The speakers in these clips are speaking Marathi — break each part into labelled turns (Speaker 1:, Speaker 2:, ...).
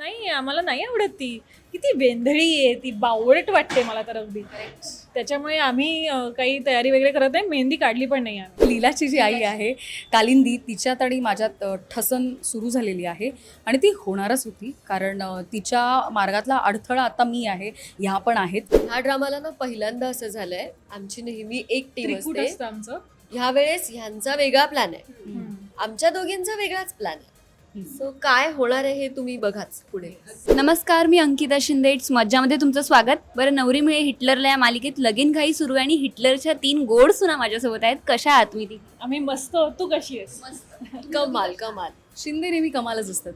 Speaker 1: नाही आम्हाला नाही आवडत ती. किती वेंधळी आहे ती, बावळट वाटते मला तर अगदी. त्याच्यामुळे आम्ही काही तयारी वगैरे करत नाही, मेहंदी काढली पण नाही आम्ही.
Speaker 2: लीलाची जी आई आहे कालिंदी, तिच्यात आणि माझ्यात ठसन सुरू झालेली आहे आणि ती होणारच होती. कारण तिच्या मार्गातला अडथळा आता मी आहे, ह्या पण आहेत.
Speaker 3: ह्या ड्रामाला ना पहिल्यांदा असं झालंय, आमची नेहमी एक टीम
Speaker 1: त्रिकूट
Speaker 3: असते.
Speaker 1: असतं आमचं.
Speaker 3: ह्या वेळेस ह्यांचा वेगळा प्लॅन आहे, आमच्या दोघींचा वेगळाच प्लॅन आहे. सो काय होणार आहे हे तुम्ही बघाच पुढे.
Speaker 4: नमस्कार, मी अंकिता शिंदे. इट्स मज्जामध्ये तुमचं स्वागत. बरं, नवरी मिळे हिटलरला या मालिकेत लगीन घाई सुरू आहे आणि हिटलरच्या 3 गोड सुना माझ्यासोबत आहेत. कशा आहात मी ती?
Speaker 1: आम्ही मस्त. तू कशी आहेस?
Speaker 3: कमाल कमाल.
Speaker 2: शिंदे नेहमी कमालच असतात.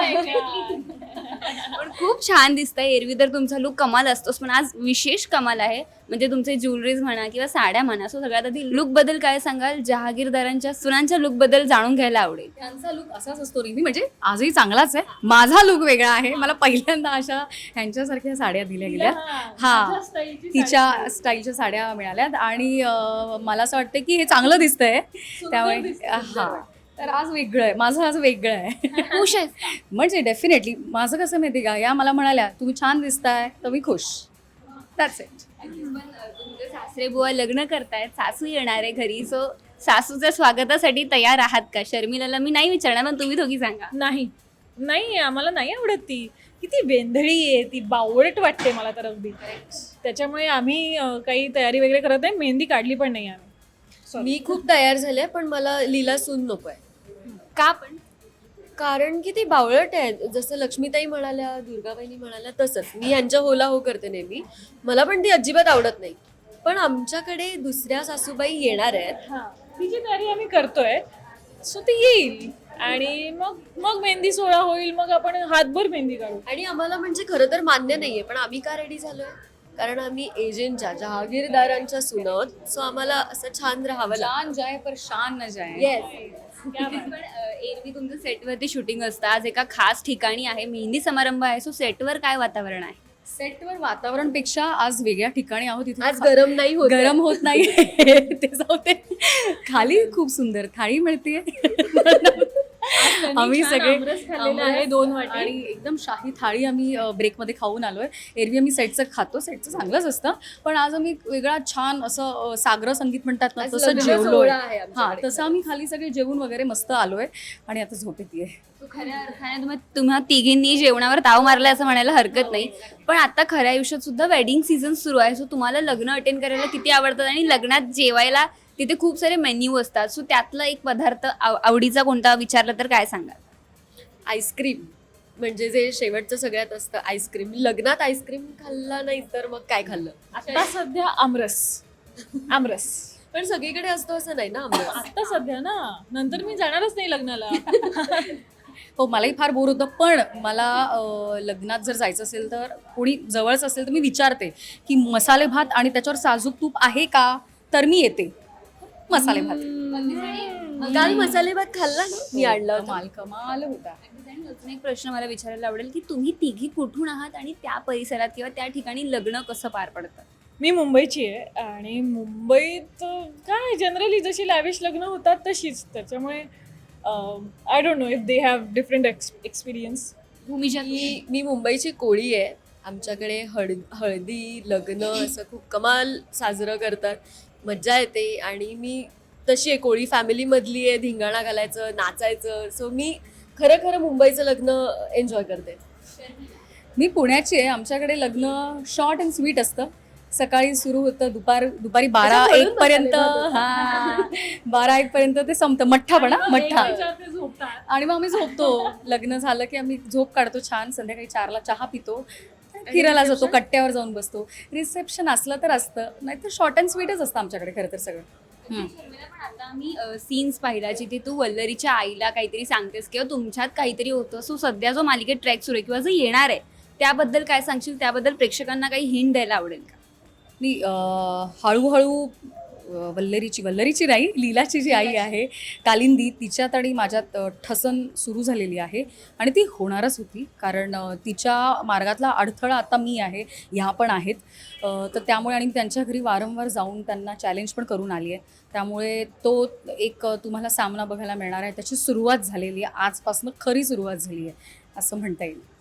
Speaker 4: पण खूप छान दिसतंय. एरवी तर तुमचा लुक कमाल असतोच, पण आज विशेष कमाल आहे. म्हणजे तुमचे ज्वेलरीज म्हणा किंवा साड्या म्हणा. सो सगळ्यात आधी लुक बद्दल काय सांगाल? जहागीरदारांच्या सुनांच्या लुक बद्दल जाणून घ्यायला आवडेल.
Speaker 2: त्यांचा लुक असाच असतो नेहमी, म्हणजे आजही चांगलाच आहे. माझा लुक वेगळा आहे. मला पहिल्यांदा अशा ह्यांच्यासारख्या साड्या दिल्या गेल्या. हा, तिच्या स्टाईलच्या साड्या मिळाल्यात आणि मला असं वाटतं की हे चांगलं दिसतंय. त्यामुळे हा, तर आज वेगळं आहे, माझं आज वेगळं आहे.
Speaker 4: खुश आहे?
Speaker 2: म्हणजे डेफिनेटली माझं कसं माहिती का, या मला म्हणाल्या तुम्ही छान दिसताय तर मी खुश. That's it.
Speaker 4: तुमचे सासरे बुवा लग्न करतायत, सासू येणार आहे घरी. सो सासूच्या स्वागतासाठी तयार आहात का? शर्मिलाला मी नाही विचारणार, पण तुम्ही दोघी सांगा.
Speaker 1: नाही आम्हाला नाही आवडत ती. किती वेंधळी आहे ती, बावळट वाटते मला तर अगदी. त्याच्यामुळे आम्ही काही तयारी वगैरे करत नाही, मेहंदी काढली पण नाही आम्ही.
Speaker 3: मी खूप तयार झाले, पण मला लीला सून नकोय.
Speaker 4: का पण?
Speaker 3: कारण की ती बावळट आहे. जसं लक्ष्मीताई म्हणाल्या, दुर्गाबाईंनी म्हणाल्या तसंच मी यांच्या होला हो करते नेहमी. मला पण ती अजिबात आवडत नाही. पण आमच्याकडे दुसऱ्या सासूबाई येणार आहेत.
Speaker 1: हां, तिची तयारी आम्ही करतोय. सो ती येईल आणि मग मेहंदी सोहळा होईल, मग आपण हातभर मेहंदी काढू.
Speaker 3: आणि आम्हाला म्हणजे खरं तर मान्य नाहीये, पण आम्ही का रेडी झालोय? कारण आम्ही एजंटच्या जहागीरदारांच्या सुना आहोत. सो आम्हाला असं छान राहावं लागतं.
Speaker 2: जान जाय पर शान न जाय.
Speaker 3: येस.
Speaker 4: पण एरवी तुमचं सेटवरती शूटिंग असतं. आज एका खास ठिकाणी आहे, मेहंदी समारंभ आहे. सो सेटवर काय वातावरण आहे?
Speaker 2: सेटवर वातावरणापेक्षा आज वेगळ्या ठिकाणी आहोत. इथे
Speaker 3: आज गरम नाही होत.
Speaker 2: गरम होत नाही. ते जाऊ दे. खाली खूप सुंदर थाळी मिळते. आम्ही सगळे
Speaker 1: आहे 2 वाटी.
Speaker 2: आणि एकदम शाही थाळी आम्ही ब्रेकमध्ये खाऊन आलोय. एरवी आम्ही सेटचं खातो, सेटचं चांगलंच असतं, पण आज आम्ही वेगळा छान असं सागर संगीत म्हणतात ना,
Speaker 3: आज
Speaker 2: तसं
Speaker 3: लग्न
Speaker 2: जेवलोय.
Speaker 3: सोहळा आहे
Speaker 2: हा,
Speaker 3: आमच्याकडे.
Speaker 2: तसं आम्ही खाली सगळे जेवून वगैरे मस्त आलोय आणि आता झोप येतेय.
Speaker 4: तो खऱ्या अर्थाने तुम्हा तिघींनी जेवणावर ताव मारला असं म्हणायला हरकत नाही. पण आता खऱ्या आयुष्यात सुद्धा वेडिंग सीझन सुरू आहे. सो तुम्हाला लग्न अटेंड करायला किती आवडतात आणि लग्नात जेवायला तिथे खूप सारे मेन्यू असतात. सो त्यातला एक पदार्थ आवडीचा कोणता विचारला तर काय सांगाल?
Speaker 3: आईस्क्रीम म्हणजे जे शेवटचं सगळ्यात असतं, आईस्क्रीम. लग्नात आईस्क्रीम खाल्ला नाही तर मग काय खाल्लं?
Speaker 1: आता सध्या आमरस.
Speaker 3: पण सगळीकडे असतो असं नाही ना आम्हाला.
Speaker 1: आता सध्या ना, नंतर मी जाणारच नाही लग्नाला.
Speaker 2: हो, मलाही फार बोर होतं, पण मला लग्नात जर जायचं असेल तर कोणी जवळच असेल तर मी विचारते की मसाले भात आणि त्याच्यावर साजूक तूप आहे का, तर मी येते. मसाले भात
Speaker 3: काल मसाले भात खाल्ला ना, मी आणला होता.
Speaker 2: कमाल होता.
Speaker 4: अजून एक प्रश्न मला विचारायला आवडेल की तुम्ही तिघी कुठून आहात आणि त्या परिसरात किंवा त्या ठिकाणी लग्न कसं पार पडतं?
Speaker 1: मी मुंबईची आहे आणि मुंबईत काय जनरली जशी लॅविश लग्न होतात तशीच. त्याच्यामुळे I don't know if they have different experience.
Speaker 4: Bhumija,
Speaker 3: मी मुंबईची कोळी आहे. आमच्याकडे हळदी लग्न असं खूप कमाल साजरं करतात, मज्जा येते. आणि मी तशी आहे, कोळी फॅमिलीमधली आहे, धिंगाणा घालायचं, नाचायचं. सो मी खरं मुंबईचं लग्न एन्जॉय करते.
Speaker 2: मी पुण्याची आहे. आमच्याकडे लग्न शॉर्ट अँड स्वीट असतं. सकाळी सुरू होतं, दुपारी 12-1 पर्यंत. हा, 12-1 पर्यंत ते संपतं. मठ्ठा मठ्ठा. आणि मग आम्ही झोपतो. लग्न झालं की आम्ही झोप काढतो छान. संध्याकाळी 4ला चहा पितो, फिरायला जातो, कट्ट्यावर जाऊन बसतो. रिसेप्शन असलं तर असतं, नाहीतर शॉर्ट अँड स्वीटच असतं आमच्याकडे खरं तर सगळं.
Speaker 4: पण आता आम्ही सीन्स पाहिला जिथे तू वल्लरीच्या आईला काहीतरी सांगतेस किंवा तुमच्यात काहीतरी होतं. सो सध्या जो मालिकेत ट्रॅक सुरू आहे किंवा जो येणार आहे त्याबद्दल काय सांगशील? त्याबद्दल प्रेक्षकांना काही हिंट द्यायला आवडेल का?
Speaker 2: मी हळूहळू वल्लरीची नाही, लीलाची जी आई आहे कालिंदी, तिच्यात आणि माझ्यात ठसन सुरू झालेली आहे आणि ती होणारच होती. कारण तिच्या मार्गातला अडथळा आता मी आहे, ह्या पण आहेत. तर त्यामुळे आणि मी त्यांच्या घरी वारंवार जाऊन त्यांना चॅलेंज पण करून आली आहे. त्यामुळे तो एक तुम्हाला सामना बघायला मिळणार आहे. त्याची सुरुवात झालेली आहे, आजपासून खरी सुरुवात झाली आहे असं म्हणता येईल.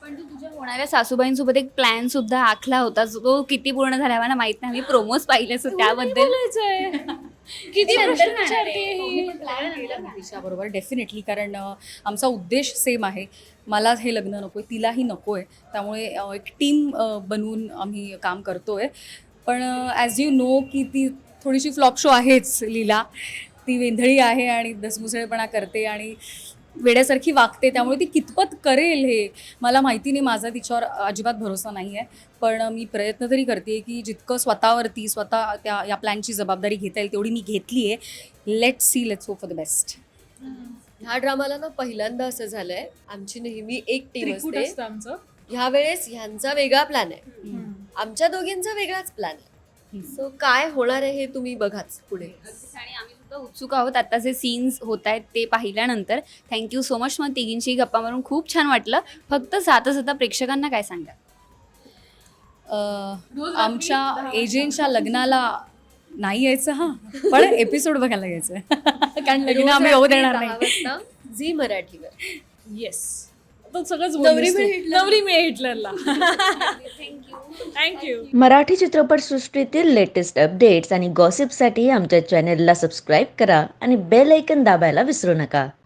Speaker 4: पण तू तुझ्या होणाऱ्या सासूबाईंसोबत एक प्लॅन सुद्धा आखला होता तो किती पूर्ण झाला मला माहित नाही, मी प्रोमोज पाहिले सो त्याबद्दल
Speaker 1: बोलायचंय किती प्रश्न विचारते ही.
Speaker 2: तिच्याबरोबर डेफिनेटली, कारण आमचा उद्देश सेम आहे. मला हे लग्न नको आहे, तिलाही नको आहे, त्यामुळे एक टीम बनवून आम्ही काम करतो आहे. पण ॲज यू नो की ती थोडीशी फ्लॉप शो आहेच लीला. ती वेंधळी आहे आणि दसमुसळेपणा करते आणि वेड्यासारखी वागते, त्यामुळे ती कितपत करेल हे मला माहिती नाही. माझा तिच्यावर अजिबात भरोसा नाही आहे. पण मी प्रयत्न तरी करते की जितकं स्वतःवरती स्वतः या प्लॅनची जबाबदारी घेता येईल तेवढी मी घेतली आहे. Let's see, let's hope for the best.
Speaker 3: ह्या ड्रामाला ना पहिल्यांदा असं झालंय, आमची नेहमी एक टीम
Speaker 1: त्रिकूट
Speaker 3: असते.
Speaker 1: असतं आमचं.
Speaker 3: ह्या वेळेस ह्यांचा वेगळा प्लॅन आहे, आमच्या दोघींचा वेगळाच प्लॅन आहे. सो काय होणार आहे हे तुम्ही बघाच पुढे.
Speaker 4: आणि आम्ही सुद्धा उत्सुक आहोत आता जे सीन्स होत आहेत ते पाहिल्यानंतर. Thank you so much. मग तिघींची गप्पा मारून खूप छान वाटलं. फक्त जाता जाता प्रेक्षकांना काय सांगा?
Speaker 2: आमच्या एजंटच्या लग्नाला नाही यायचं हां, पण एपिसोड बघायला यायचं. कारण लग्न आम्ही होऊ देणार नाही.
Speaker 3: झी मराठीवर.
Speaker 1: येस, आता सगळंच
Speaker 3: नवरी
Speaker 1: बोललीस तू.
Speaker 3: मिळे हिटलर.
Speaker 1: नवरी मिळे हिटलरला. थँक्यू.
Speaker 5: मराठी चित्रपटसृष्टीतील लेटेस्ट अपडेट्स आणि गॉसिपसाठी आमच्या चॅनेलला सबस्क्राईब करा आणि बेल ऐकन दाबायला विसरू नका.